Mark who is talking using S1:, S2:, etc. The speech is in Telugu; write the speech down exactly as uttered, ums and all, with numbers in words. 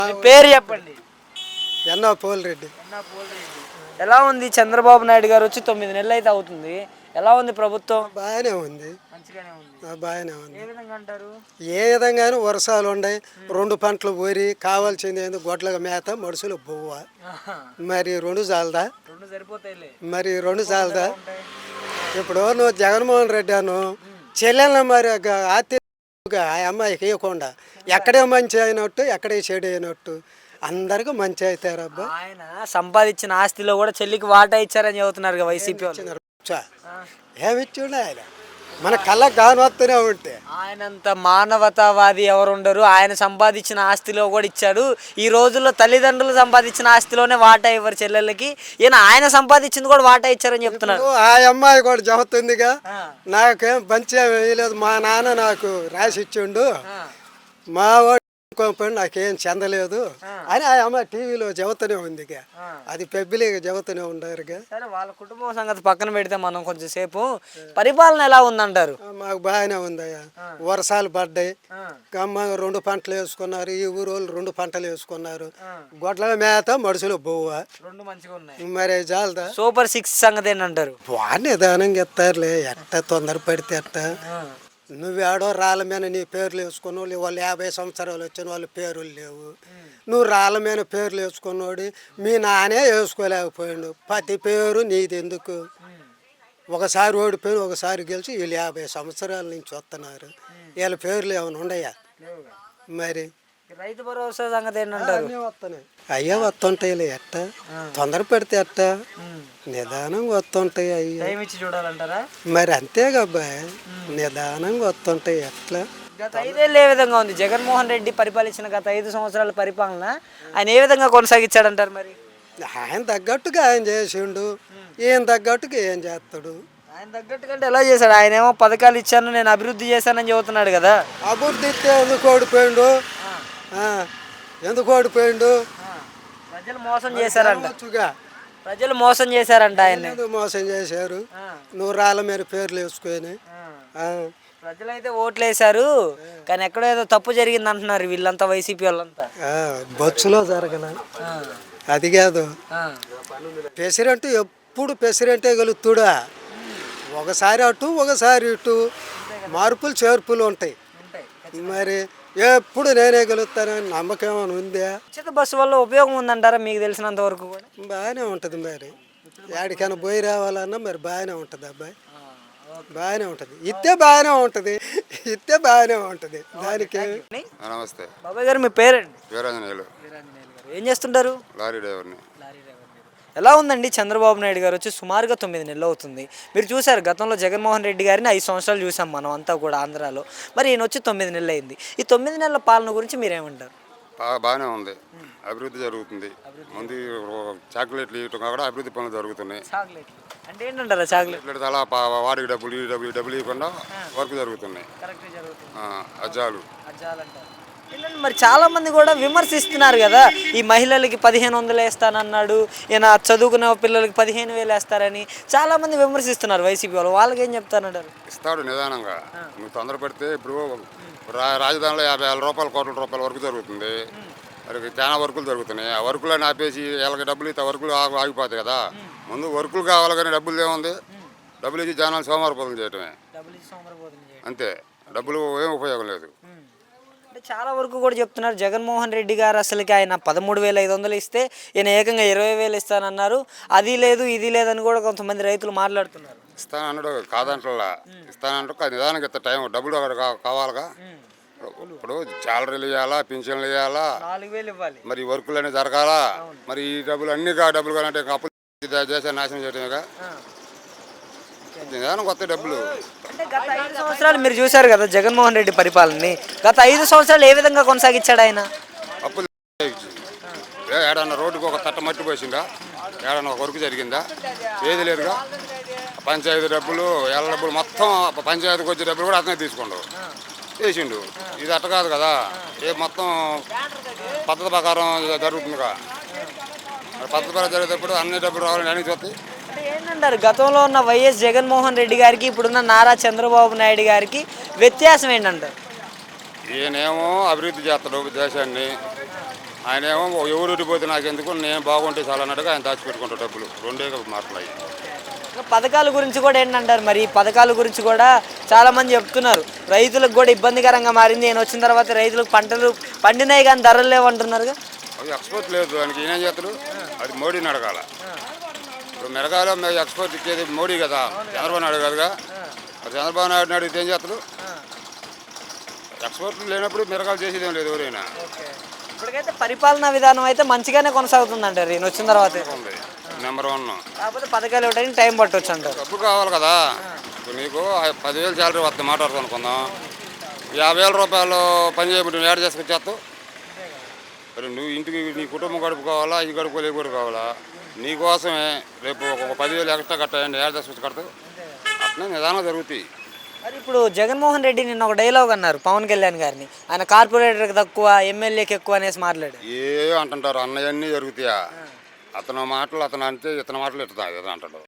S1: మీ పేరు చెప్పండి.
S2: ఎన్నో పోలిరెడ్డి.
S1: ఎలా ఉంది చంద్రబాబు నాయుడు గారు వచ్చి తొమ్మిది నెలలు అయితే అవుతుంది, ఎలా ఉంది ప్రభుత్వం?
S2: బాగానే ఉంది,
S1: మంచిగానే ఉంది.
S2: బాగానే ఉంది.
S1: ఏ విధంగా అంటారు?
S2: ఏ విధంగానూ వర్షాలు ఉన్నాయి, రెండు పంటలు ఊరి కావాల్సింది ఏంది గొడ్ల మేత మనుషులు బువ్వ. మరి రెండు చాలదా?
S1: రెండు సరిపోతాయిలే.
S2: మరి రెండు చాలదా? ఇప్పుడు నువ్వు జగన్మోహన్ రెడ్డి అను చెల్లెలను మరి ఆత్మీయంగా ఆ అమ్మాయికి ఇవ్వకుండా ఎక్కడే మంచి అయినట్టు ఎక్కడే చెడు అయినట్టు అందరికి మంచి అవుతారు. అబ్బా
S1: ఆయన సంపాదించిన ఆస్తిలో కూడా చెల్లికి వాటా ఇచ్చారని చెబుతున్నారు వైసీపీ వాళ్ళు.
S2: ఏమిచ్చుండే ఆయన మన కళ్ళకు గాను వస్తూనే ఉంటే.
S1: ఆయనంత మానవతావాది ఎవరు ఉండరు. ఆయన సంపాదించిన ఆస్తిలో కూడా ఇచ్చాడు. ఈ రోజుల్లో తల్లిదండ్రులు సంపాదించిన ఆస్తిలోనే వాటా ఇవ్వరు చెల్లెళ్ళకి. ఈయన ఆయన సంపాదించింది కూడా వాటా ఇచ్చారని చెప్తున్నారు.
S2: ఆ అమ్మాయి కూడా చెబుతుందిగా, నాకేం పంచే వేయలేదు, మా నాన్న నాకు రాసి ఇచ్చిండు, మా వాడు నాకేం చెందలేదు అని ఆ అమ్మాయి టీవీలో చెబుతూనే ఉంది. అది పెబ్బిలిగా చెబుతూనే ఉండారుగా.
S1: సరే, వాళ్ళ కుటుంబం సంగతి పక్కన పెడితే మనం కొంచెం సేపు పరిపాలన ఎలా ఉందంటారు?
S2: మాకు బాగానే ఉందయ్యా. వర్షాలు పడ్డాయి, గమ్మ రెండు పంటలు వేసుకున్నారు, ఈ ఊరు వాళ్ళు రెండు పంటలు వేసుకున్నారు, గొడ్ల మేత మనుషులు బొవ్వ
S1: రెండు మంచిగా ఉన్నాయి.
S2: మరి చాలదా?
S1: సూపర్ సిక్స్ సంగతి ఏంటంటారు?
S2: బాగా నిదానంగా ఇస్తారులే, ఎట్ట తొందర పడితే ఎట్ట. నువ్వేడో రాళ్ళ మీద నీ పేర్లు వేసుకున్నావు, వాళ్ళు యాభై సంవత్సరాలు వచ్చిన వాళ్ళు పేర్లు లేవు. నువ్వు రాళ్ళ మీద పేర్లు వేసుకున్నాడు, మీ నానే వేసుకోలేకపోయాడు. ప్రతి పేరు నీది ఎందుకు? ఒకసారి ఓడిపోయి ఒకసారి గెలిచి వీళ్ళు యాభై సంవత్సరాల నుంచి వస్తున్నారు, వీళ్ళ పేర్లు ఏమైనా ఉన్నాయా? మరి
S1: రైతు భరోసా సంగతి ఏంటంటారు?
S2: వస్తున్నాయి అయ్యా, వస్తుంటాయిలే, ఎట్ట తొందర పెడితే ఎట్ట నిదానంగా వస్తుంటాయి అయ్యా.
S1: చూడాలంటారా?
S2: మరి అంతేగాబ్బాయి, నిదానంగా వస్తుంటాయి. ఎట్లా
S1: గత ఐదేళ్ళు ఏ విధంగా ఉంది జగన్మోహన్ రెడ్డి పరిపాలించిన గత ఐదు సంవత్సరాల పరిపాలన ఆయన ఏ విధంగా కొనసాగించాడంటారు? మరి
S2: ఆయన తగ్గట్టుగా ఆయన చేసిండు, ఈయన తగ్గట్టుగా ఏం చేస్తాడు?
S1: ఆయన తగ్గట్టుకంటే ఎలా చేశాడు? ఆయన ఏమో పథకాలు ఇచ్చాను, నేను అభివృద్ధి చేశానని చెబుతున్నాడు కదా.
S2: అభివృద్ధి ఇస్తే ఎందుకు ఓడిపోయిండు? ఎందుకు ఓడిపోయిండు?
S1: ప్రజలు మోసం చేశారంట. ప్రజలు మోసం చేశారంట ఆయన.
S2: మోసం చేశారు. నువ్వు రాళ్ళ మీద పేర్లు వేసుకొని
S1: ప్రజలైతే ఓట్లు వేశారు, కానీ ఎక్కడో ఏదో తప్పు జరిగింది అంటున్నారు వీళ్ళంతా, వైసీపీ వాళ్ళంతా.
S2: బొచ్చులో జరగల అది కాదు. ప్రెసిడెంట్ ఎప్పుడు ప్రెసిడెంటే గెలుతుడా, ఒకసారి అటు ఒకసారి ఇటు మార్పులు చేర్పులు ఉంటాయి. మరి ఎప్పుడు నేనే గెలుస్తానని నమ్మకం ఏమైనా ఉందా?
S1: ఉచిత బస్సు వల్ల ఉపయోగం ఉందంటారా మీకు తెలిసినంత వరకు? కూడా
S2: బాగానే ఉంటుంది. మరి ఎక్కడికైనా పోయి రావాలన్నా మరి బాగానే ఉంటుంది అబ్బాయి, బాగానే ఉంటుంది. ఇస్తే బాగానే ఉంటుంది, ఇస్తే బాగానే ఉంటుంది. దానికి
S3: నమస్తే
S1: బాబాయ్ గారు, మీ పేరండి?
S3: వీరాంజనేయులు.
S1: ఏం చేస్తుంటారు?
S3: లారీ డ్రైవర్ని.
S1: ఎలా ఉందండి చంద్రబాబు నాయుడు గారు వచ్చి సుమారుగా తొమ్మిది నెలలు అవుతుంది. మీరు చూసారు గతంలో జగన్మోహన్ రెడ్డి గారిని ఐదు సంవత్సరాలు చూసాం మనం అంతా కూడా ఆంధ్రాలో. మరి ఈయన వచ్చి తొమ్మిది నెలలు అయింది. ఈ తొమ్మిది నెలల పాలన గురించి మీరేమంటారు?
S3: బాగానే ఉంది, అభివృద్ధి జరుగుతుంది. ముందు చాక్లెట్లు ఇవ్వటం కూడా అభివృద్ధి పనులు జరుగుతున్నాయి.
S1: అంటే ఏంటంటారా చాక్లెట్?
S3: అలా వాడికి డబ్బులు ఈ డబ్బులు డబ్బులు ఇవ్వకుండా వర్క్ జరుగుతున్నాయి. అజ్జాలు
S1: మరి చాలా మంది కూడా విమర్శిస్తున్నారు కదా, ఈ మహిళలకి పదిహేను వందలు వేస్తానన్నాడు ఈయన, చదువుకునే పిల్లలకి పదిహేను వేలు వేస్తారని చాలా మంది విమర్శిస్తున్నారు వైసీపీ వాళ్ళు. వాళ్ళకి ఏం చెప్తానంటారు?
S3: ఇస్తాడు నిదానంగా. నువ్వు తొందర పెడితే ఇప్పుడు రా రాజధానిలో యాభై వేల రూపాయలు కోట్ల రూపాయల వరకు జరుగుతుంది. మరి చాలా వర్కులు జరుగుతున్నాయి. ఆ వర్కులను ఆపేసి వీళ్ళకి డబ్బులు ఇస్తే వర్కులు ఆగి ఆగిపోతాయి కదా. ముందు వర్కులు కావాలి కానీ డబ్బులు ఏముంది? డబ్బులు ఇచ్చి జనాలు సోమవారపోతం చేయటమే అంతే, డబ్బులు ఏం ఉపయోగం లేదు.
S1: అంటే చాలా వరకు కూడా చెప్తున్నారు జగన్మోహన్ రెడ్డి గారు అసలుకి ఆయన పదమూడు వేల ఐదు వందలు ఇస్తే ఈయన ఏకంగా ఇరవై వేలు ఇస్తానన్నారు, అది లేదు ఇది లేదని కూడా కొంతమంది రైతులు మాట్లాడుతున్నారు.
S3: ఇస్తానన్నాడు కాదంటలా, ఇస్తానంటూ నిదానికి ఇస్తా టైం డబ్బులు అక్కడ కావాలిగా. ఇప్పుడు శాలరీలు ఇవ్వాలా, పింఛన్లు ఇవ్వాలా,
S1: నాలుగు వేలు ఇవ్వాలి,
S3: మరి వర్కులు అనేవి జరగాలా. మరి ఈ డబ్బులు అన్ని డబ్బులు కావాలంటే అప్పులు దేశాన్ని నాశనం చేయటమేగా. నిదానం కొత్త డబ్బులు.
S1: అంటే గత ఐదు సంవత్సరాలు మీరు చూశారు కదా జగన్మోహన్ రెడ్డి పరిపాలనని, గత ఐదు సంవత్సరాలు ఏ విధంగా కొనసాగించాడు ఆయన?
S3: అప్పులు ఏడన్నా రోడ్డుకు ఒక తట్ట మట్టి పోసిందా, ఏడన్నా ఒక వర్క్ జరిగిందా? ఏది లేదుగా. పంచాయతీ డబ్బులు ఎల్ల డబ్బులు మొత్తం పంచాయతీకి వచ్చే డబ్బులు కూడా అతనే తీసుకుంటావు వేసిండు. ఇది అట్ట కాదు కదా, ఏ మొత్తం పద్ధతి ప్రకారం జరుగుతుందిగా. పద్ధతి ప్రకారం జరిగేటప్పుడు అన్ని డబ్బులు రావాలని అన్ని చూస్తాయి.
S1: అంటే ఏంటంటారు గతంలో ఉన్న వైఎస్ జగన్మోహన్ రెడ్డి గారికి ఇప్పుడున్న నారా చంద్రబాబు నాయుడు గారికి వ్యత్యాసం ఏంటంటారు?
S3: ఈయనేమో అభివృద్ధి చేస్తాడు దేశాన్ని, ఆయన ఏమో ఎవరు పోతే నాకు ఎందుకు నేను బాగుంటే చాలా అన్నట్టుగా ఆయన దాచిపెట్టుకుంటాడు డబ్బులు. రెండే మాటలు అయ్యి.
S1: ఇంకా పథకాల గురించి కూడా ఏంటంటారు మరి? ఈ పథకాల గురించి కూడా చాలా మంది చెప్తున్నారు రైతులకు కూడా ఇబ్బందికరంగా మారింది. నేను వచ్చిన తర్వాత రైతులకు పంటలు పండినాయి కానీ ధరలు లేవంటున్నారుగా.
S3: అది ఎక్స్పోర్ట్ లేదు దానికి ఈయన చేస్తాడు. అది మోడీని అడగాల. ఇప్పుడు మిరగాలో మేము ఎక్స్పోర్ట్ ఇచ్చేది మోడీ కదా, చంద్రబాబు నాయుడు కాదుగా. మరి చంద్రబాబు నాయుడు అడిగితే ఏం చేస్తాడు? ఎక్స్పోర్ట్ లేనప్పుడు మిరగాలు చేసేది ఏం లేదు ఎవరైనా.
S1: ఇప్పటికైతే పరిపాలనా విధానం అయితే మంచిగానే కొనసాగుతుంది అంటారు ఈయన వచ్చిన తర్వాత.
S3: ఉంది నెంబర్ వన్.
S1: కాకపోతే పథకాలు ఇవ్వడానికి టైం పట్టొచ్చు అంటారు.
S3: డబ్బు కావాలి కదా. ఇప్పుడు నీకు పదివేలు శాలరీ వస్తుంది మాట్లాడుతూ అనుకుందాం. యాభై వేల రూపాయలు పని చేయబట్టి ఏడు చేసుకొచ్చేస్తావు. మరి నువ్వు ఇంటికి నీ కుటుంబం గడుపుకోవాలా, ఇది గడుపుకోలే కూడా కావాలా. నీకోసమే రేపు ఒక పదివేలు ఎక్స్ట్రా కట్టాయండి ఏడు చేసుకొచ్చి కడతావు. అట్లా నిదానం జరుగుతాయి.
S1: మరి ఇప్పుడు జగన్మోహన్ రెడ్డి నిన్న ఒక డైలాగ్ అన్నారు పవన్ కళ్యాణ్ గారిని, ఆయన కార్పొరేటర్కి తక్కువ ఎమ్మెల్యేకి ఎక్కువ అనేసి మాట్లాడాడు.
S3: ఏ అంటుంటారు అన్నయ్యన్నీ జరుగుతాయా? అతను మాటలు అతను అంటే ఇతని మాటలు ఇతను ఇతను అంటాడు.